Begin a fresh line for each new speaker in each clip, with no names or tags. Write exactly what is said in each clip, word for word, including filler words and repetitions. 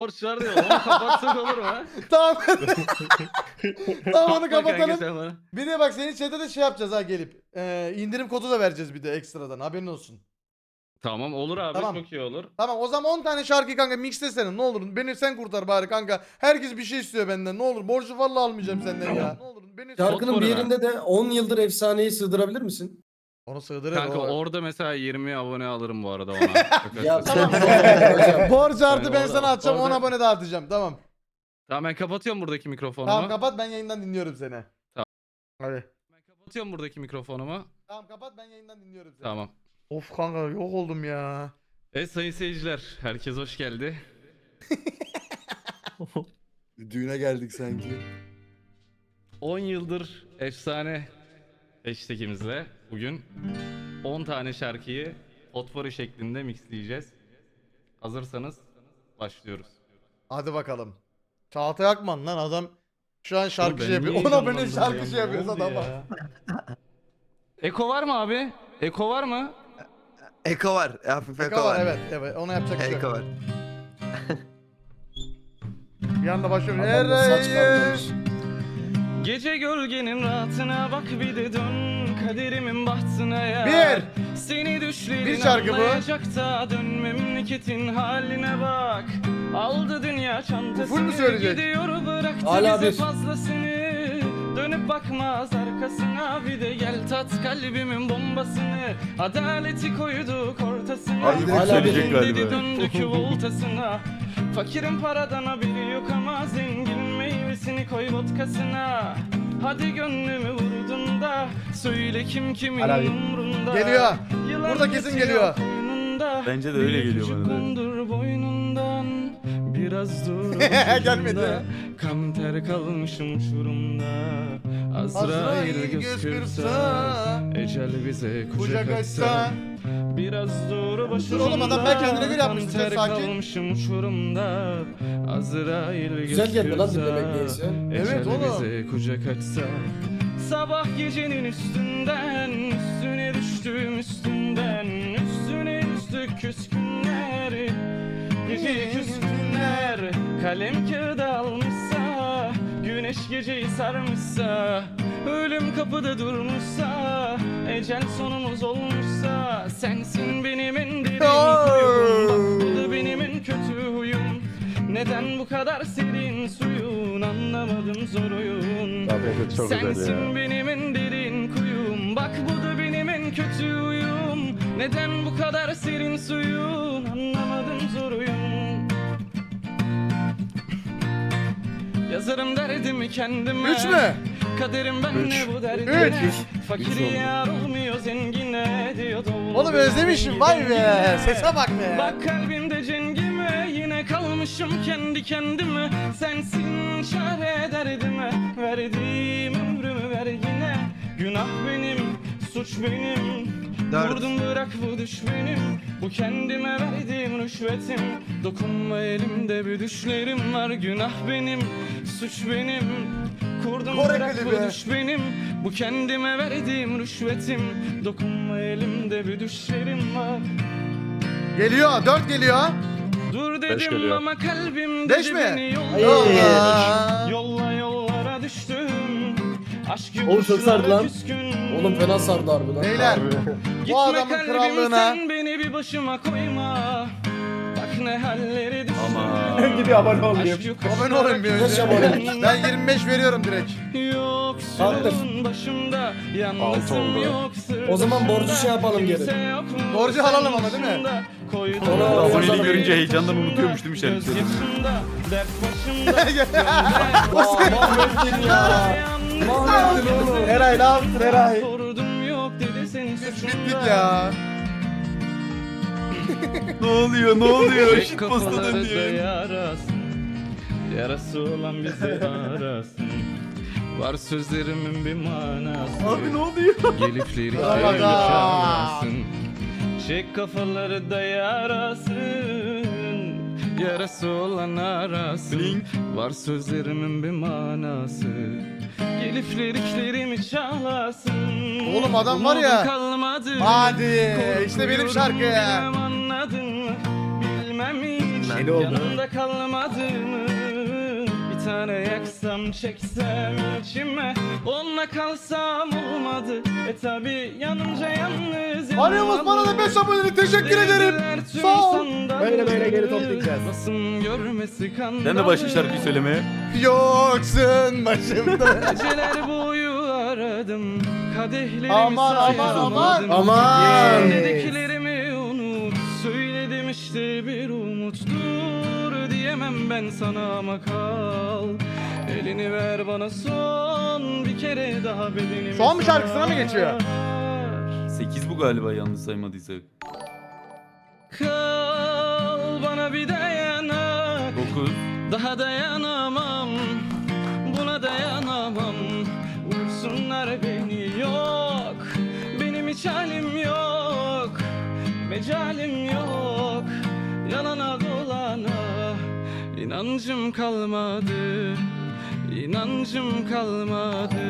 Borç var diyor. Onu kapatsak olur mu? ha?
Tamam. Tamam onu
Atma kanka
kapatalım.
sen bana.
Bir de bak senin chat'e de şey yapacağız ha gelip. Ee, indirim kodu da vereceğiz bir de ekstradan haberin olsun.
Tamam olur abi
Tamam.
çok iyi olur.
Tamam o zaman on tane şarkı kanka mixlesene ne olur. Beni sen kurtar bari kanka. Herkes bir şey istiyor benden ne olur. Borcu vallahi almayacağım senden ya. Ne olur beni
Şarkının
Sot
bir
var
yerinde de on yıldır efsaneyi sığdırabilir misin?
Onu sığdırır
Kanka
o.
orada mesela yirmi abone alırım bu arada ona.
Ya
Tamam.
tamam.
Borcu artı ben
Orada-
sana atacağım on
orada-
abone dağıtacağım tamam.
Tamam ben kapatıyorum buradaki mikrofonumu.
Tamam kapat ben yayından dinliyorum seni.
Tamam.
Hadi.
Ben kapatıyorum buradaki mikrofonumu.
Tamam kapat ben yayından dinliyorum seni.
Tamam.
Of kanka yok oldum ya.
Evet sayın seyirciler herkes hoş geldi.
Düğüne geldik sanki.
on yıldır efsane hashtagimizle bugün on tane şarkıyı potpourri şeklinde mixleyeceğiz. Hazırsanız başlıyoruz.
Hadi bakalım. Çağatay Akman lan adam şu an şarkı
ben
şey yapıyor.
niye
on abone
heyecanlandım
şarkı
ya?
şey
Ne
yapıyoruz
oldu
adama.
ya? Eko var mı abi? Eko var mı?
Eko var. Hafif eko,
Eko var
var.
evet evet ona yapacak bir şey
Eko
yok.
var.
Bir anda başlıyorum.
Adamda saç
Eray.
kalmamış.
Gece gölgenin rahatına bak bir de dön kaderimin bahtına ya.
Bir.
Seni düşlerin
Bir şarkı bu.
anlayacak da dön memleketin haline bak. Aldı dünya
full mü
çantasını
söyleyecek?
gidiyor bıraktı
Hala
bize
bir.
fazlasını. Dönüp bakmaz arkasına bir de gel tat kalbimin bombasını. Adaleti koyduk ortasına.
Ay, direkt
Hala
söyleyecek
Dedi
galiba.
döndük voltasına. Fakirin paradan haberi yok ama zengin meyvesini koy vodkasına. Hadi gönlümü vurdun da söyle kim kimin
Hala bir.
umrunda.
Geliyor.
Yılan
Burada kesin
yatıyor
geliyor.
koynunda.
Bence de öyle
Bir
geliyor
küçük
bana da.
kondur boynundan. Biraz dur
Gelmedi.
ucunda. Kam ter kalmışım uçurumda. Azrail göz kırpsa. Ecel bize kucak açsa. Biraz dur başımda.
oğlum, adam ben kendine göre yapmış,
Kan ter
sen sakin.
kalmışım uçurumda. Azrail göz
Güzel geldi lan
kırpsa.
dinlemek neyse.
Evet
Ecel
oğlum.
bize kucak açsa. Sabah gecenin üstünden üstüne düştüm üstünden üstüne düştük küskünler. Gece küskünler kalem kağıda almışsa güneş geceyi sarmışsa ölüm kapıda durmuşsa ecel sonumuz olmuşsa sensin benim en derin kuyum bak bu da benim en kötü huyum. Neden bu kadar serin suyun anlamadım zor oyun. Sensin benim en derin kuyum bak bu da benim en kötü huyum. Neden bu kadar serin suyun anlamadım zor oyun. Yazarım derdimi kendime.
Üç mü?
Kaderim ben
Üç.
ne bu derdine.
Üç.
Fakir yar olmuyor zengine diyor dolu.
Oğlum özlemişim vay be.
zengine.
Sese bak be.
Bak kalbimde cengime yine kalmışım kendi kendime. Sensin çare derdime verdiğim ömrümü ver yine. Günah benim suç benim.
Dört.
Vurdum bırak bu düş benim. Bu kendime verdiğim rüşvetim. Dokunma elimde bir düşlerim var. Günah benim suç benim. Kurdum
Kore
bırak
klibi.
bu düş benim. Bu kendime verdiğim rüşvetim. Dokunma elimde bir düşlerim var.
Geliyor dört geliyor.
Dur dedim
geliyor.
ama kalbim
Beş
dedi
mi?
beni
Hayır.
yolla. Yolla yollara düştüm. Aşk
Oğlum çok sardı lan.
küskün.
Oğlum fena sardı harbi lan.
Beyler
Gitme
bu adamın
kalbim,
krallığına.
sen beni bir başıma koyma. Bak ne hallere düştüm.
Ama.
Gidip abone olayım.
Aşk yok
Abone olayım bir
Kaç
önce.
abone?
Ben yirmi beş veriyorum direkt.
Yoksun başımda
Altı
yalnızım
oldu.
yok sırdaşımda.
O zaman borcu şey yapalım geri.
Kimse yok mu
Borcu alalım ama değil mi?
başımda? Koydum
Onu
aboneliği
yazalım.
görünce heyecandan unutuyormuş değil mi şarkıyı?
Göz yaşımda, dert başımda.
Aa, mahvettin ya. Mahvettin oğlum.
Eray ne yaptın Eray?
Sordum yok dedi senin
Biz
suçunda.
bittik ya.
Ne oluyor ne oluyor?
Tek
Shit postadan
kafaları da
diyor.
yarasın. Yarası olan bizi arasın. Var sözlerimin bir manası.
Abi ne oluyor?
Gelip lirik
Oh my God.
çalmasın. Çek kafaları da yarasın. Yarası olan arasın.
Blink.
Var sözlerimin bir manası. Gelip liriklerimi çalasın.
Oğlum adam var ya.
Umudum kalmadı.
Hadi işte benim
Korkuyorum,
şarkı.
bilmem anladın mı? Bilmem hiç
Deli oldu.
Yanımda kalmadığımı bir tane yaksam çeksem içime, onunla kalsam olmadı. E tabi yanınca yalnız
Arıyoruz, bana da beş abonelik, teşekkür ederim. Sağ ol.
Böyle böyle geri toplayacağız.
Basın görmesi kandalı.
Sen de başla şarkıyı söylemeye.
Yoksun başımda.
Geceler boyu aradım, kadehlerimi
Aman, aman,
sayamadım.
aman.
Aman.
Söylediklerimi unut, söyledim işte bir umut. Dur diyemem ben sana ama kal. Elini ver bana son bir kere daha bedenimi
Son bir şarkısına mı geçiyor?
sar.
sekiz bu galiba yanlış saymadıysak.
Kal bana bir dayanak,
dokuz.
daha dayanamam, buna dayanamam. Vursunlar beni, yok benim hiç halim yok, mecalim yok, yalana dolana inancım kalmadı, inancım kalmadı,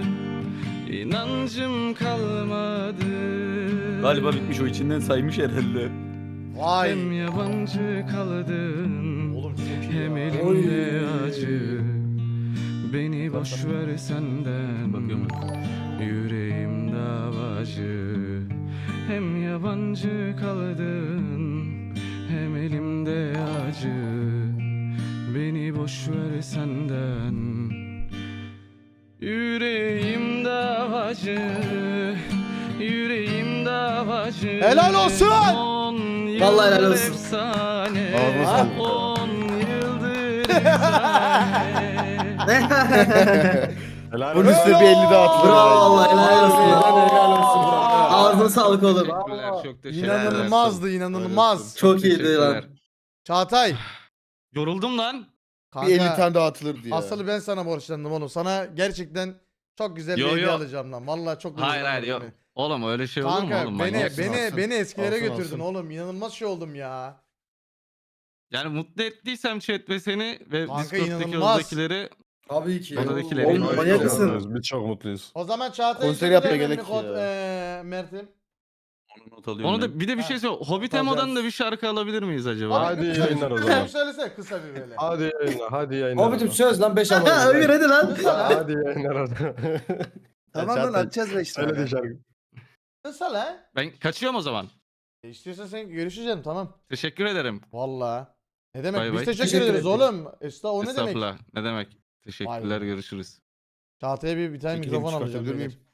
inancım kalmadı.
Galiba bitmiş, o içinden saymış herhalde.
Vay.
Hem yabancı kaldım,
Oğlum çok iyi
hem
ya.
elimde acı. Beni boş ver senden,
Bakıyorum.
yüreğim davacı. Hem yabancı kaldın, hem elimde acı. Beni boş ver senden, yüreğim davacı. Yüreğim davacı.
Helal olsun.
On
Vallahi helal
yıldır
olsun.
efsane.
Ağzına sağlık.
On yıldır efsane.
Helal
Polis
olsun.
de bir elli daha atılır.
Bravo vallahi helal olsun.
Helal
Helal olsun. Ağzına sağlık oğlum.
Teşekkürler, çok teşekkürler.
İnanılmazdı, inanılmaz.
Çok iyiydi lan.
Teşekkürler.
Çağatay.
Yoruldum lan.
Kanka,
Bir elli tane daha atılırdı ya.
asıl ben sana borçlandım oğlum. Sana gerçekten çok güzel
Yo,
bir hediye
yo.
alacağım lan. Vallahi çok
Hayır
güzel
hayır
oldu
yok.
beni.
Oğlum öyle şey olur mu
Kanka
oğlum?
beni
Manyaksın.
beni
alsın.
beni eskilere
Alsın,
götürdün
alsın.
oğlum. İnanılmaz şey oldum ya.
Yani mutlu ettiysem chat ve seni ve
Kanka,
Discord'daki
inanılmaz.
oradakileri
Tabii ki.
Oradakileri-
Oğlum
Çok
manyak mısın?
mutluyuz, Biz çok mutluyuz.
O zaman Çağatay
Konser
için
yapmaya
güzel
gerek
bir kod
ya.
eee Mert'im.
Onu not alıyorum
onu
ben.
da bir de bir şey söyle. Hobbit Emo'dan da bir şarkı alabilir miyiz acaba?
Abi,
Hadi
bir
yayınlar o
söyle-
zaman.
Söylesene kısa bir böyle.
Hadi yayınlar, hadi yayınlar.
Hobbit'im
o
söz lan beş
Ha,
abone. Ömür hadi lan.
Kısa lan.
Hadi yayınlar o zaman.
Tamam lan atacağız beş
Söyle de
tane.
şarkı.
Kısa lan.
Ben kaçıyorum o zaman.
E istiyorsan sen görüşeceğim tamam.
Teşekkür ederim.
Vallahi. Ne demek?
Bay
Biz
bay.
teşekkür,
Teşekkür
ederiz
ettik.
oğlum. Esta o ne demek?
Estağfurullah. Ne demek? Teşekkürler,
Vay be.
görüşürüz.
Çağatay'a bir, bir tane
Çekileyim,
mikrofon alacağım.
çıkartabilir
beyler.
miyim?